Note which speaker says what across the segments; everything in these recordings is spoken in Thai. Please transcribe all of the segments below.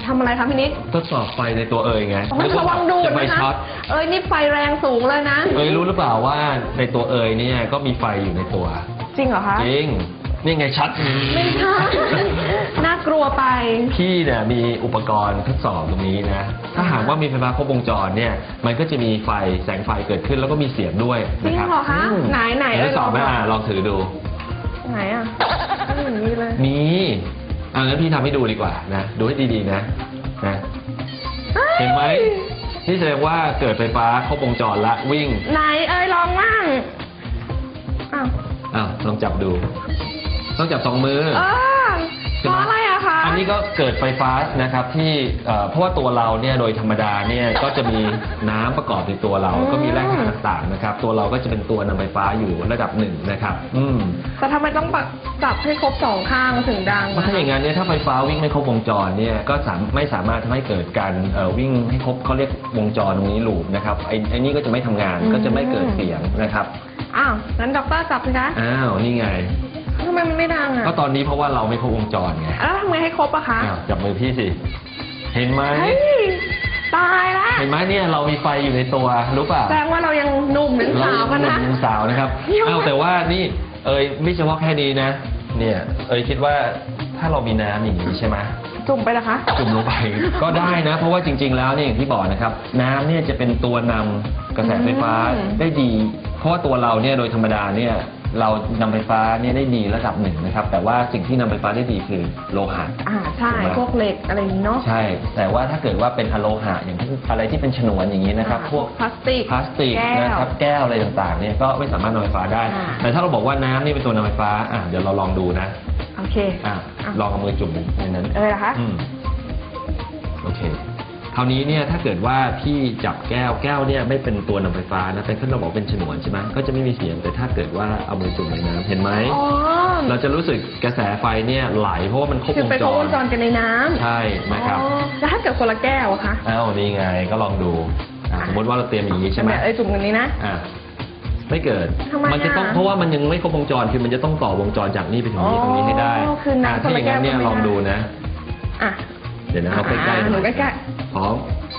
Speaker 1: ทำอะไรคะพี่นิด
Speaker 2: ทดสอบไฟในตัวไง
Speaker 1: ระวังดู
Speaker 2: จะไฟช็อต
Speaker 1: นี่ไฟแรงสูงเลยนะ
Speaker 2: รู้หรือเปล่าว่าในตัวเนี่ยก็มีไฟอยู่ในตัว
Speaker 1: จริงเหรอคะ
Speaker 2: จริงนี่ไงชัด
Speaker 1: ไม่ใช่น่ากลัวไป
Speaker 2: พี่เนี่ยมีอุปกรณ์ทดสอบตรงนี้นะถ้าหากว่ามีไฟฟ้าครบวงจรเนี่ยมันก็จะมีไฟแสงไฟเกิดขึ้นแล้วก็มีเสียงด้วย
Speaker 1: จริงเหรอคะไหน
Speaker 2: ทดสอบไหมลองถือดู
Speaker 1: ไหนไม่เห็นมีเลย
Speaker 2: มีงั้นพี่ทำให้ดูดีกว่านะดูให้ดีๆนะเห็นไหมนี่แสดงว่าเกิดไฟฟ้าครบวงจรละวิ่ง
Speaker 1: ไหนลองมั่ง
Speaker 2: ลองจับดูต้องจับ2 มือ
Speaker 1: เพราะอะไรอะคะ
Speaker 2: อันนี้ก็เกิดไฟฟ้านะครับที่เพราะว่าตัวเราเนี่ยโดยธรรมดาเนี่ยก็จะมีน้ำประกอบในตัวเราก็มีแร่ธาตุต่างๆนะครับตัวเราก็จะเป็นตัวนำไฟฟ้าอยู่ระดับ1นะครับ
Speaker 1: แต่ทำไมต้องจับให้ครบ2 ข้างถึงดัง
Speaker 2: ถ้าอย่างนั้นเนี่ยถ้าไฟฟ้าวิ่งไม่ครบวงจรเนี่ยก็ไม่สามารถทำให้เกิดการวิ่งให้ครบเขาเรียกวงจรตรงนี้ลูปนะครับไอ้นี่ก็จะไม่ทำงานก็จะไม่เกิดเสียงนะครับ
Speaker 1: งั้นด็อกเตอร์จับสิคะ
Speaker 2: นี่ไง
Speaker 1: ทำไมมันไม่ดัง
Speaker 2: ก็ตอนนี้เพราะว่าเราไม่ครบวงจรไง
Speaker 1: แล้วทำไงให้ครบอะคะ
Speaker 2: จับมือพี่สิเห็นไหม
Speaker 1: ตายละ
Speaker 2: เห็นไหมเนี่ยเรามีไฟอยู่ในตัวรู้ป่ะ
Speaker 1: แสดงว่าเรายังหนุ่มเป็นสาวกันนะ
Speaker 2: ยังสาวนะครับแต่ว่านี่ไม่เฉพาะแค่นี้นะเนี่ยคิดว่าถ้าเรามีน้ำอย่างนี้ใช่ไหม
Speaker 1: จุ่มไปนะคะ
Speaker 2: จุ่มลงไปก็ได้นะเพราะว่าจริงๆแล้วเนี่ยอย่างที่บอกนะครับน้ำเนี่ยจะเป็นตัวนำกระแสไฟฟ้าได้ดีเพราะว่าตัวเราเนี่ยโดยธรรมดาเนี่ยเรานำไฟฟ้าเนี่ยได้ดีระดับ1นะครับแต่ว่าสิ่งที่นำไฟฟ้าได้ดีคือโลหะ
Speaker 1: ใช่พวกเหล็กอะไรอย่างนี้เนาะ
Speaker 2: ใช่แต่ว่าถ้าเกิดว่าเป็นอะโลหะอย่างอะไรที่เป็นฉนวนอย่างนี้นะครับพวก
Speaker 1: พลาสติก
Speaker 2: นะครับแก้วอะไรต่างๆเนี่ยก็ไม่สามารถนำไฟฟ้าได้แต่ถ้าเราบอกว่าน้ำนี่เป็นตัวนำไฟฟ้าเดี๋ยวเราลองดูนะ
Speaker 1: โอเค
Speaker 2: ลองเอามือจุ่มในนั้น
Speaker 1: นะคะ
Speaker 2: โอเคคราวนี้เนี่ยถ้าเกิดว่าพี่จับแก้วเนี่ยไม่เป็นตัวนำไฟฟ้านะเป็นขึ้นเราบอกเป็นฉนวนใช่ไหมก็จะไม่มีเสียงแต่ถ้าเกิดว่าเอามือจุ่มในน้ำเห็นไหมเราจะรู้สึกกระแสไฟเนี่ยไหลเพราะว่ามันครบวงจร
Speaker 1: กันในน้ำ
Speaker 2: ใช่นะครับ
Speaker 1: แล้วถ้าเกิดคนละแก้วอะคะ
Speaker 2: นี่ไงก็ลองดูสมมติว่าเราเตรียมอย่างนี้ใช่ไหม
Speaker 1: จุ่มกันนี้นะ
Speaker 2: ไม่เกิดมันจะต้องเพราะว่ามันยังไม่ครบวงจรคือมันจะต้องต่อวงจรจากนี้ไปถึงนี้ตรงนี้ให้ได้ถ้าอย่างนั้นเนี่ยลองดูนะเดี๋ยวนะเราใกล้ๆ
Speaker 1: หนูใกล้
Speaker 2: พร้อม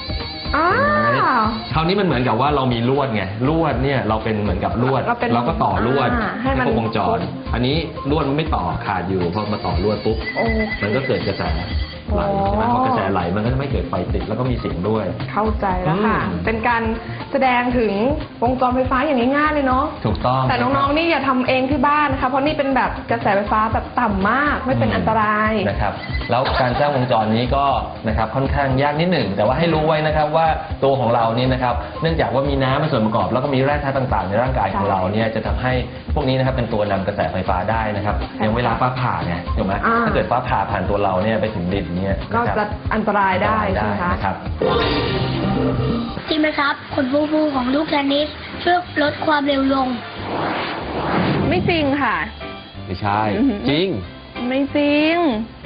Speaker 2: คราวนี้มันเหมือนกับว่าเรามีลวดไงลวดเนี่ยเราเป็นเหมือนกับลวดเราก็ต่อลวดให้ครบวงจรอันนี้ลวดมันไม่ต่อขาดอยู่พอมาต่อลวดปุ๊บมันก็เกิดกระแสไหลใช่ไหมพอกระแสไหลมันก็จะไม่เกิดไฟติดแล้วก็มีเสียงด้วย
Speaker 1: เข้าใจแล้วค่ะเป็นการแสดงถึงวงจรไฟฟ้าอย่างง่ายๆเลยเนาะ
Speaker 2: ถูกต้อง
Speaker 1: แต่น้องๆนี่อย่าทำเองที่บ้านนะคะเพราะนี่เป็นแบบกระแสไฟฟ้าแบบต่ำมากไม่เป็นอันตราย
Speaker 2: นะครับแล้วการสร้างวงจรนี้ก็นะครับค่อนข้างยากนิดหนึ่งแต่ว่าให้รู้ไว้นะครับว่าตัวของเรานี่นะครับเนื่องจากว่ามีน้ำเป็นส่วนประกอบแล้วก็มีแร่ธาตุต่างๆในร่างกายของเราเนี่ยจะทำให้พวกนี้นะครับเป็นตัวนำกระแสไฟฟ้าได้นะครับอย่างเวลาฟ้าผ่าเนี่ยถูกไหมถ้าเกิดฟ้าผ่าผ่านตัวเราเนี่ยไปถึงดินเนี่ย
Speaker 1: ก็จะอันตรายได้ใช่ไหม
Speaker 2: ครับ
Speaker 3: จริงไหมครับขนฟูๆของลูกเทนนิสช่วยลดความเร็วลง
Speaker 1: ไม่จริงค่ะ
Speaker 2: ไม่ใช่จริง
Speaker 1: ไม่จริง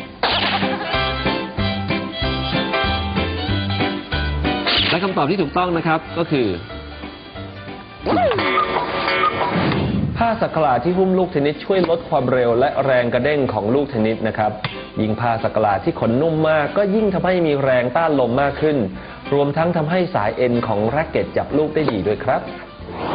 Speaker 2: และคำตอบที่ถูกต้องนะครับก็คือผ้าสักหลาดที่หุ้มลูกเทนนิสช่วยลดความเร็วและแรงกระเด้งของลูกเทนนิสนะครับยิ่งผ้าสักหลาดที่ขนนุ่มมากก็ยิ่งทำให้มีแรงต้านลมมากขึ้นรวมทั้งทำให้สายเอ็นของแร็กเก็ตจับลูกได้ดีด้วยครับ